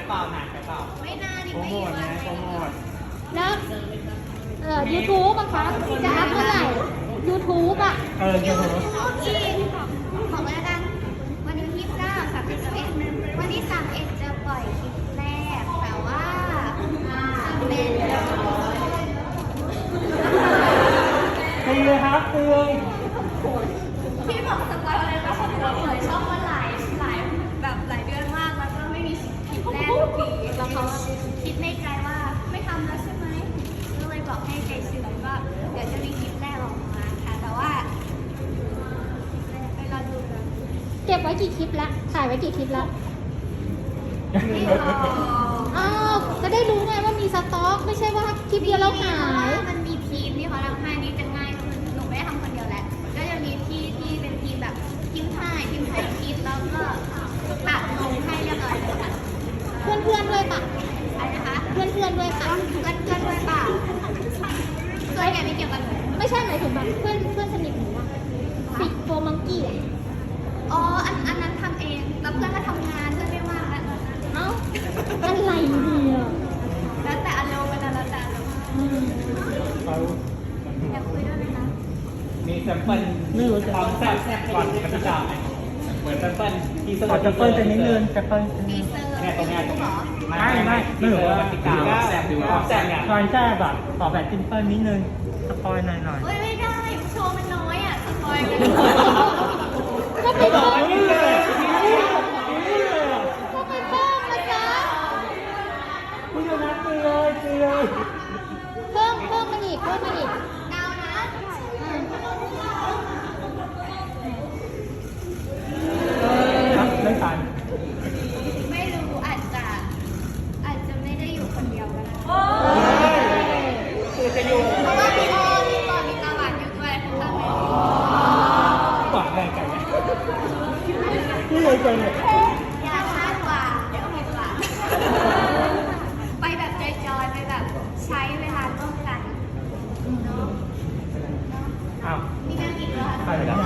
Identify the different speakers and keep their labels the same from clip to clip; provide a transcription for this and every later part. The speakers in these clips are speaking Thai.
Speaker 1: เปล่าหนักไปเปล่าไม่นานนี่ไม่อยู่โปรโมท
Speaker 2: แล้วYouTube อะคะจะอัพเมื่อไหร่ YouTube อะ
Speaker 1: YouTube
Speaker 3: อีกของแล้วกันวันที่29 31วันที่31จะปล่อยคลิปแรกแต่ว่าเป็น
Speaker 1: ตีเลยครับตีเลย
Speaker 3: พี่บอกสปอยอะไรนะผมเปิดช่องมาหลายแบบหลายเดือนมากแล้วก็ไม่มีคลิปแรกทุกทีแล้วเขาคิดในใจว่าไม่ทำแล้วใช่ไหมก็เลยบอกให้ใจชื้นว่าเดี๋ยวจะมีคลิปแรกออกมาค่ะแต่ว่าไปรอดูกัน
Speaker 2: เก็บไว้กี่คลิปละถ่ายไว้กี่คลิปละ
Speaker 3: ไม่รอ
Speaker 2: อ้าวจะได้รู้ไงว่ามีสต็อกไม่ใช่ว่าคลิปเดียวแล้วหาย
Speaker 3: มันมีทีมที่เขาทำให้นี่จะง่ายขึ้นหนูไม่ได้ทำคนเดียวแหละก็จะมีที่เป็นทีมแบบทีมถ่ายคลิปแล้วก็ตัดลงให้เรียบร้อยเลยค่ะ
Speaker 2: เพื่อนด้วยปะ
Speaker 3: อะไรนะคะ
Speaker 2: เพื่อนด้วยปะ
Speaker 3: เพื่อนด้วยเปล่าส่วนใหญ่ไม่เกี่ยวกับหนู
Speaker 2: ไม่ใช่หมายถึงแบบเพื่อนสนิทหนูอะปิดโฟมังกี้อะ
Speaker 3: อ๋ออันนั้นทำเองแล้วเพื่อนก็ทำงานเพื่อนไม่ว่างแล้ว
Speaker 2: เอ้าอะไรเนี่ย
Speaker 3: แล้วแต่อารมณ์แล้วแต่อารมณ์
Speaker 1: เขา
Speaker 3: อยากคุยด้วยไหมคะ
Speaker 1: มีแซมเปิลความแซ่บก่อนกติกาเหมือนแซมเปิลที่ส
Speaker 4: ขอจะเปิ้ลจะนิดนึงจะเปิ้ล
Speaker 3: ทีเซอร์
Speaker 1: เนี่ยตรงเนี้ย
Speaker 4: ไม่ที่เหลือก
Speaker 1: ติกาแซ่บดูความแซ่บเนี่ย
Speaker 4: ซอยแซ่บแบบขอแบบซิมเปิ้ลนิดนึงสปอยหน่อย
Speaker 3: เฮ้ยไม่ได้โชว์มันน้อยอ่ะสปอยล์
Speaker 2: ก็ไปเพิ่ม
Speaker 1: นี่เลย
Speaker 2: ก็ไปเพิ่มนะจ๊ะ
Speaker 4: พี่โดนัทตีเลยตีเลย
Speaker 2: เพิ่มมาอีก
Speaker 3: ดาวนะ
Speaker 4: ครับไม่ทัน
Speaker 3: ไม่รู้อาจจะไม่ได้อยู่คนเดียวก็ได้
Speaker 1: คือจะอยู่
Speaker 3: เพราะว่าพี่อ้อมีตอนมีตาหวานอยู่ด้วยทำไม
Speaker 1: กว่าแรงกันเนี่ย
Speaker 4: พี่เลยใจเนี่ย
Speaker 3: อยากคาดหวังเดี๋ยวผิดหวังไปแบบจอยๆไปแบบใช้เวลาร่วมกันเนาะ
Speaker 4: อ้าว
Speaker 3: มีแม่กี่ตัว
Speaker 4: ไปแล้ว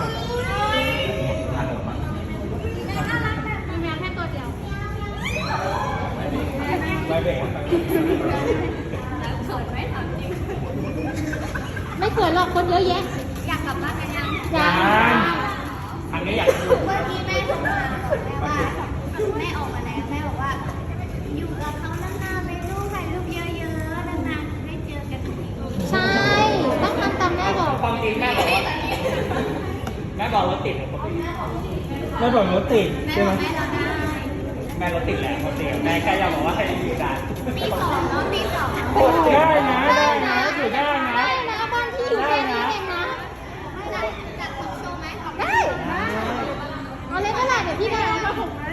Speaker 3: น่ารักแบบมีแมวแค่ตัวเดียว
Speaker 1: ไม่เบรก
Speaker 3: สวยไหมถามจริง
Speaker 2: ไม่เขินหรอกคนเยอะแยะ
Speaker 3: อยากกลับบ้านกันยัง
Speaker 2: จ้า
Speaker 1: อันนี้อยากดู
Speaker 3: เมื่อกี้แม่โทรมาบอกแม่ว่าแม่ออกมาแล้วแม่บอกว่า อยู่กับเขานานๆเลยลูกถ่ายรูปเยอะๆนานๆได้เจอกันที
Speaker 2: ใช่ ต้องทำตามแม่บอก
Speaker 1: ความจริงแม่บอกว่าแม่บอกรถติด
Speaker 4: ไม่บอกรถติด
Speaker 3: แม่
Speaker 4: ใช่
Speaker 3: บ
Speaker 4: ไหม
Speaker 3: อกแม่เราได้
Speaker 1: แม่รถติดแหละรถติดแม่แค่อยากบอกว่าให้อยู่ได้
Speaker 3: ตีสองเนาะตีสอง
Speaker 4: ได้นะได้นะอยู่ได้นะ
Speaker 2: ได้นะบ้านที่อยู่แค่นี้เองนะ
Speaker 3: จัดโชว์ไหม
Speaker 2: ได้เอาเลยเท่าไหร่เดี๋ยวพี่ได้เอามา
Speaker 3: ได้